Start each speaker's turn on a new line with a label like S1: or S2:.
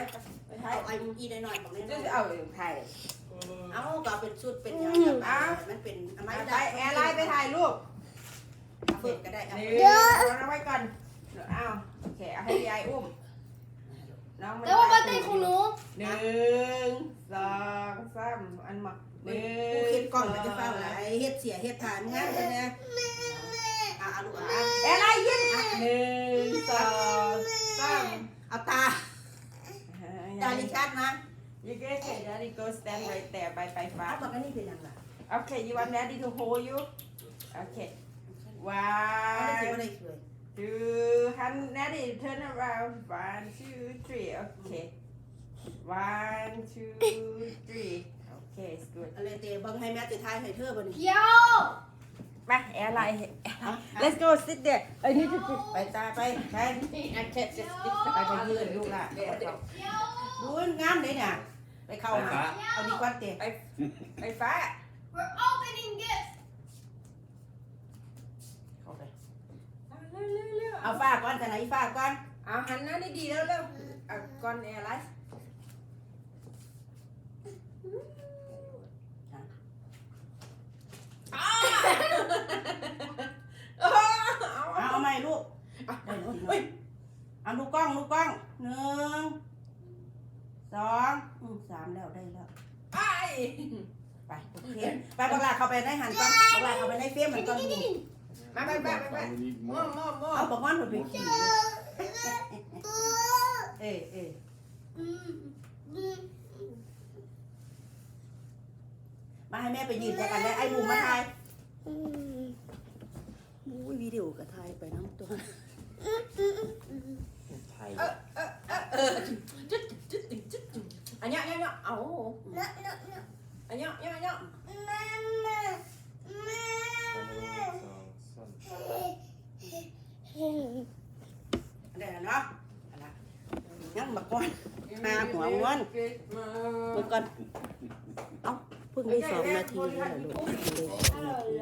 S1: ไปไทยเอาไอ้อีได้หน่อยบอกเลย
S2: จะเอาไทย
S1: เอาก็เป็นชุดเป็นอย่างมันเป็นอะไร
S2: ไปแอร์ไลน์ไปถ่ายรูป
S1: เปิดก็ได้ครับ
S2: เดี๋ยวเอาไว้ก่อนเอาโอเคเอาให้ยายอุ้มน้องแต่ว่าบ้านเต้ของหนู1 2 3อันมา
S1: ผู้เฮ็ดกล้องมันจะเฝ้าอะไรเฮ็ดเสียเฮ็ดทานงานกันนะลูก
S2: แอร์ไลน์ยิ้ม1 2 3
S1: เอาตาลิชัดนะ
S2: You get it, Daddy go stand right there ไปฟ้า
S1: บอกว่านี่เป็นยังไง
S2: Okay, you want Daddy to hold you? Okay. 1, 2, Daddy turn around. 1, 2, 3. Okay. 1, 2, 3. Okay, it's good.
S1: อะไรเตะบังให้แม่จะทายให้เธอบ่นี่
S3: เดี๋ยว
S2: ไปแอร์ไลน์ Let's go sit there. I need to
S1: ไปตาไปไป
S2: I can't just sit
S1: ไปไปยืนลูกล่ะดูงามเลยเนี่ยไปเข้ามาเอาดีกว่าเตะ
S2: ไปฟ้า
S3: We're opening this
S1: เข้าไป
S2: เร็ว
S1: เอาฝ้าก่อนแต่ไหนฝ้าก่อน
S2: เอาหันหน้าดีๆเร็วเอาก่อนแอร์ไลน์
S1: เอาใหม่ลูกเอาลูกกล้อง1 2 3แล้วได้แล้ว
S2: ไป
S1: ไปโอเคไปบักลาเข้าไปในหันก่อนบักลาเข้าไปในเฟรมมันก่อนดู
S2: ไปมั่ว
S1: เอาบักมันไปขี่มาให้แม่ไปยืนกันได้ไอ้บูมมาถ่ายวิดีโอกับถ่ายไปน้ำตัว
S4: ไทย
S2: อันเนี้ยเอาอันเนี้ย
S1: ได้แล้วเนาะยังบักก้อนมาหัวม้วนเมื่อก่อนเอ้าเพิ่งได้2 นาทีแล้วลูก